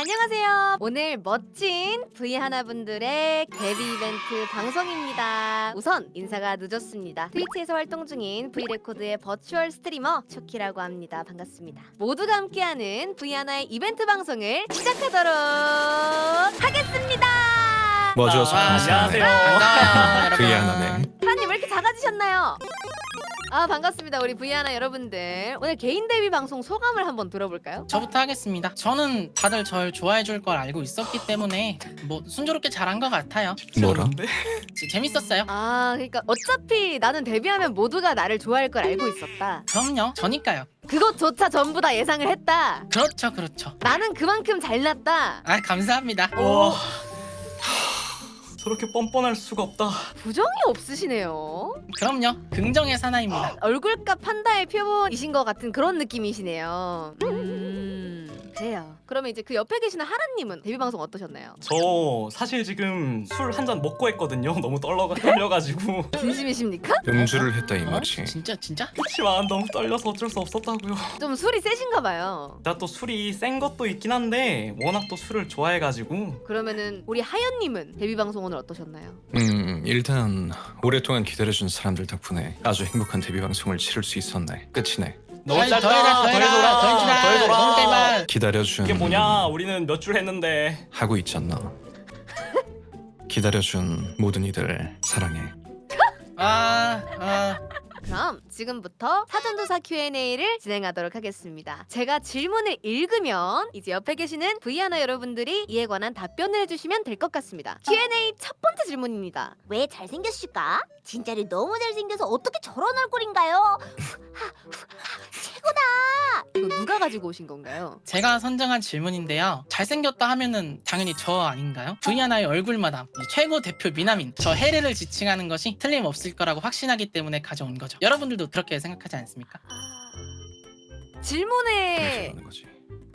안녕하세요. 오늘 멋진 V1 분들의 데뷔 이벤트 방송입니다. 우선 인사가 늦었습니다. 트위치에서 활동 중인 V레코드의 버추얼 스트리머 초키라고 합니다. 반갑습니다. 모두가 함께하는 V1의 이벤트 방송을 시작하도록 하겠습니다. 먼저 안녕하세요. 그게 하나네. 하나님 왜 이렇게 작아지셨나요? 반갑습니다. 우리 V1 여러분들. 오늘 개인 데뷔 방송 소감을 한번 들어볼까요? 저부터 하겠습니다. 저는 다들 절 좋아해 줄 걸 알고 있었기 때문에 뭐 순조롭게 잘한 것 같아요. 뭐라? 재밌었어요. 그러니까 어차피 나는 데뷔하면 모두가 나를 좋아할 걸 알고 있었다. 그럼요. 저니까요. 그것조차 전부 다 예상을 했다. 그렇죠. 나는 그만큼 잘났다. 감사합니다. 어. 저렇게 뻔뻔할 수가 없다. 부정이 없으시네요. 그럼요. 긍정의 사나이입니다. 얼굴값 판다의 표본이신 것 같은 그런 느낌이시네요. 그래요. 그러면 이제 그 옆에 계시는 하라님은 데뷔 방송 어떠셨나요? 저 사실 지금 술 한 잔 먹고 했거든요. 너무 떨려가지고. 진심이십니까? 음주를 했다 이 말이지. 진짜? 그렇지만 너무 떨려서 어쩔 수 없었다고요. 좀 술이 세신가 봐요. 나 또 술이 센 것도 있긴 한데 워낙 또 술을 좋아해가지고. 그러면은 우리 하연님은 데뷔 방송 오늘 어떠셨나요? 일단 오랫동안 기다려준 사람들 덕분에 아주 행복한 데뷔 방송을 치를 수 있었네. 끝이네. 너무 더 짧다. 해라. 너무 짧아. 기다려준 이게 뭐냐? 우리는 몇 줄 했는데. 하고 있잖아. 기다려준 모든 이들 사랑해. 그럼 지금부터 사전조사 Q&A를 진행하도록 하겠습니다. 제가 질문을 읽으면 이제 옆에 계시는 V1 여러분들이 이에 관한 답변을 해주시면 될 것 같습니다. Q&A 첫 번째 질문입니다. 왜 잘생겼을까? 진짜로 너무 잘생겨서 어떻게 저런 얼굴인가요? 최고다! 이거 누가 가지고 오신 건가요? 제가 선정한 질문인데요. 잘생겼다 하면은 당연히 저 아닌가요? V1의 얼굴마담 최고 대표 미남인 저 해리를 지칭하는 것이 틀림없을 거라고 확신하기 때문에 가져온 거죠. 여러분들도 그렇게 생각하지 않습니까? 질문에 하는 거지.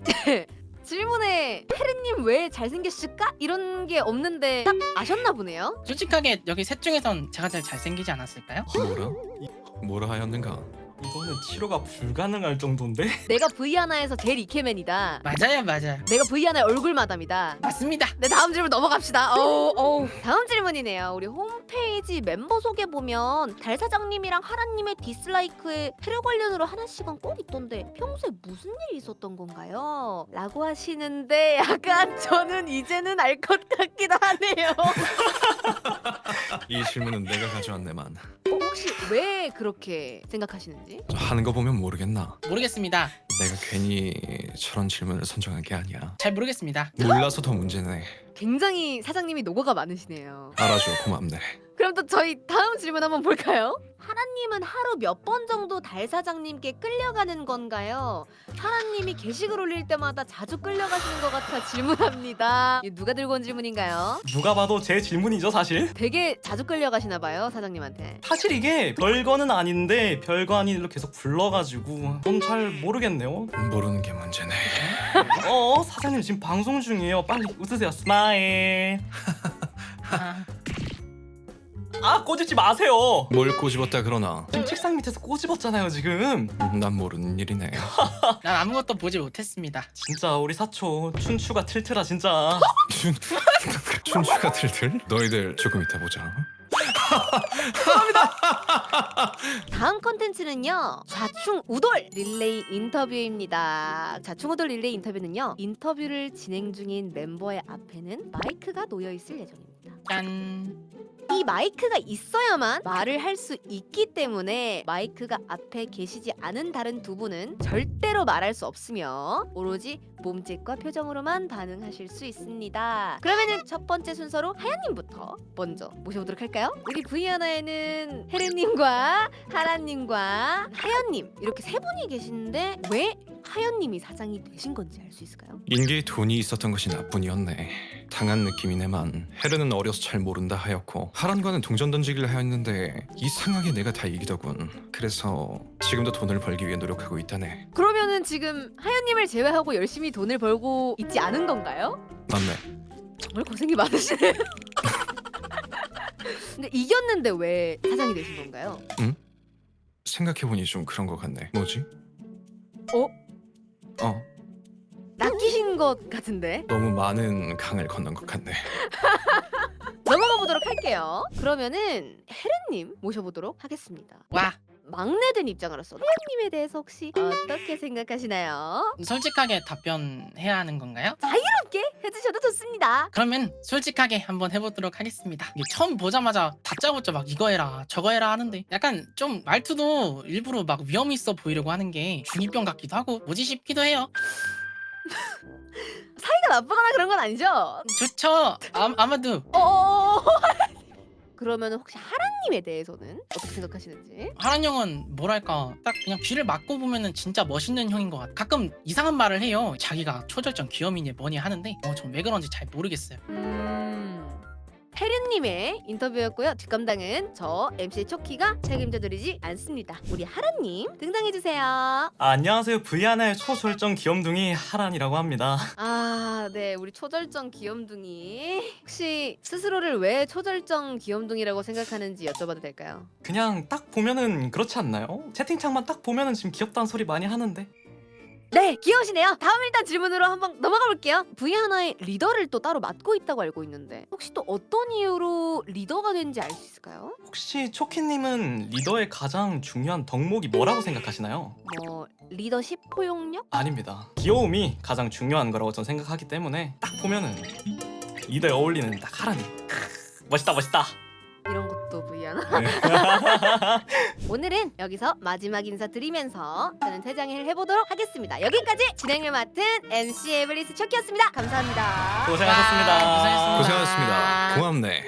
혜리님 왜 잘생겼을까? 이런 게 없는데 딱 아셨나 보네요? 솔직하게 여기 셋 중에선 제가 제일 잘생기지 않았을까요? 뭐라 하였는가? 이거는 치료가 불가능할 정도인데. 내가 V1에서 제일 이케맨이다. 맞아요. 내가 V1의 얼굴 마담이다. 맞습니다. 네, 다음 질문 넘어갑시다. 다음 질문이네요. 우리 홈페이지 멤버 소개 보면 달 사장님이랑 하라님의 디슬라이크에 테러 관련으로 하나씩은 꼭 있던데 평소에 무슨 일이 있었던 건가요? 라고 하시는데 약간 저는 이제는 알 것 같기도 하네요. 이 질문은 내가 가져왔네만. 혹시 왜 그렇게 생각하시는지? 하는 거 보면 모르겠나? 모르겠습니다. 내가 괜히 저런 질문을 선정한 게 아니야. 잘 모르겠습니다. 몰라서 더 문제네. 굉장히 사장님이 노고가 많으시네요. 알아줘 고맙네. 그럼 또 저희 다음 질문 한번 볼까요? 하라님은 하루 몇 번 정도 달 사장님께 끌려가는 건가요? 하라님이 게시글 올릴 때마다 자주 끌려가시는 것 같아 질문합니다. 이거 누가 들고 온 질문인가요? 누가 봐도 제 질문이죠 사실. 되게 자주 끌려가시나 봐요 사장님한테. 사실 이게 별거는 아닌데 별거 아닌 일로 계속 불러가지고 전 잘 모르겠네요. 모르는 게 문제네. 사장님 지금 방송 중이에요. 빨리 웃으세요. 스마일. 꼬집지 마세요. 뭘 꼬집었다 그러나? 지금 책상 밑에서 꼬집었잖아요 지금. 난 모르는 일이네. 난 아무것도 보지 못했습니다. 진짜 우리 사초 춘추가 틀틀아 진짜. 춘추가 들들? 너희들 조금 이따 보자. 다음 컨텐츠는요 좌충우돌 릴레이 인터뷰입니다. 좌충우돌 릴레이 인터뷰는요 인터뷰를 진행 중인 멤버의 앞에는 마이크가 놓여 있을 예정입니다. 짠. 이 마이크가 있어야만 말을 할 수 있기 때문에 마이크가 앞에 계시지 않은 다른 두 분은 절대로 말할 수 없으며 오로지 몸짓과 표정으로만 반응하실 수 있습니다. 그러면은 첫 번째 순서로 하연님부터 먼저 모셔보도록 할까요? 우리 V1에는 혜리님과 하라님과 하연님 이렇게 세 분이 계시는데 왜 하연님이 사장이 되신 건지 알 수 있을까요? 인계에 돈이 있었던 것이 나뿐이었네. 당한 느낌이네만. 헤르는 어려서 잘 모른다 하였고 하란과는 동전 던지기를 하였는데 이상하게 내가 다 이기더군. 그래서 지금도 돈을 벌기 위해 노력하고 있다네. 그러면은 지금 하연님을 제외하고 열심히 돈을 벌고 있지 않은 건가요? 맞네. 정말 고생이 많으시네요. 근데 이겼는데 왜 사장이 되신 건가요? 생각해보니 좀 그런 것 같네. 뭐지? 어? 낚이신 것 같은데. 너무 많은 강을 건넌 것 같네. 넘어가 보도록 할게요. 그러면은 헤르님 모셔보도록 하겠습니다. 와, 막내된 입장으로서 헤르님에 대해서 혹시 어떻게 생각하시나요? 솔직하게 답변해야 하는 건가요? 함께 해주셔도 좋습니다. 그러면 솔직하게 한번 해보도록 하겠습니다. 이게 처음 보자마자 다짜고짜 막 이거 해라 저거 해라 하는데 약간 좀 말투도 일부러 막 위험 있어 보이려고 하는 게 중2병 같기도 하고 뭐지 싶기도 해요. 사이가 나쁘거나 그런 건 아니죠? 좋죠. 아마도 어. 그러면 혹시 하라님에 대해서는 어떻게 생각하시는지? 하란 형은 뭐랄까 딱 그냥 귀를 막고 보면은 진짜 멋있는 형인 것 같아. 가끔 이상한 말을 해요. 자기가 초절정 귀염이니 뭐니 하는데 전 왜 그런지 잘 모르겠어요. 헤르님의 인터뷰였고요. 뒷감당은 저 MC 초키가 책임져드리지 않습니다. 우리 하라님 등장해주세요. 안녕하세요. V1의 초절정 귀염둥이 하란이라고 합니다. 아, 네, 우리 초절정 귀염둥이. 혹시 스스로를 왜 초절정 귀염둥이라고 생각하는지 여쭤봐도 될까요? 그냥 딱 보면은 그렇지 않나요? 채팅창만 딱 보면은 지금 귀엽다는 소리 많이 하는데. 네, 귀여우시네요. 다음 일단 질문으로 한번 넘어가 볼게요. V1의 리더를 또 따로 맡고 있다고 알고 있는데 혹시 또 어떤 이유로 리더가 된지 알 수 있을까요? 혹시 초키님은 리더의 가장 중요한 덕목이 뭐라고 생각하시나요? 뭐 리더십 포용력? 아닙니다. 귀여움이 가장 중요한 거라고 저는 생각하기 때문에 딱 보면은 리더에 어울리는 딱 하란이. 멋있다 멋있다. 이런 것도 V1. 네. 오늘은 여기서 마지막 인사 드리면서 저는 퇴장을 해보도록 하겠습니다. 여기까지 진행을 맡은 MC 에블리스 초키였습니다. 감사합니다. 고생하셨습니다. 고생하셨습니다. 고생하셨습니다. 고맙네.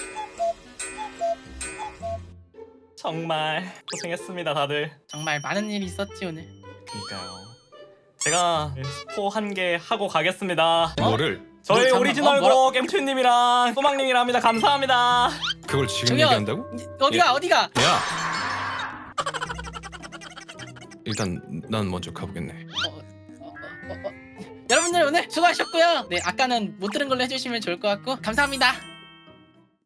정말 고생했습니다 다들. 정말 많은 일이 있었지 오늘. 그니까요. 제가 스포 한 개 하고 가겠습니다. 뭐를? 저희 잠깐만, 오리지널 곡 엠튜님이랑 소망님이랑 합니다. 감사합니다. 그걸 지금 저기요. 얘기한다고? 어디가? 야! 일단 난 먼저 가보겠네. 여러분들 오늘 수고하셨고요. 네, 아까는 못 들은 걸로 해주시면 좋을 것 같고 감사합니다.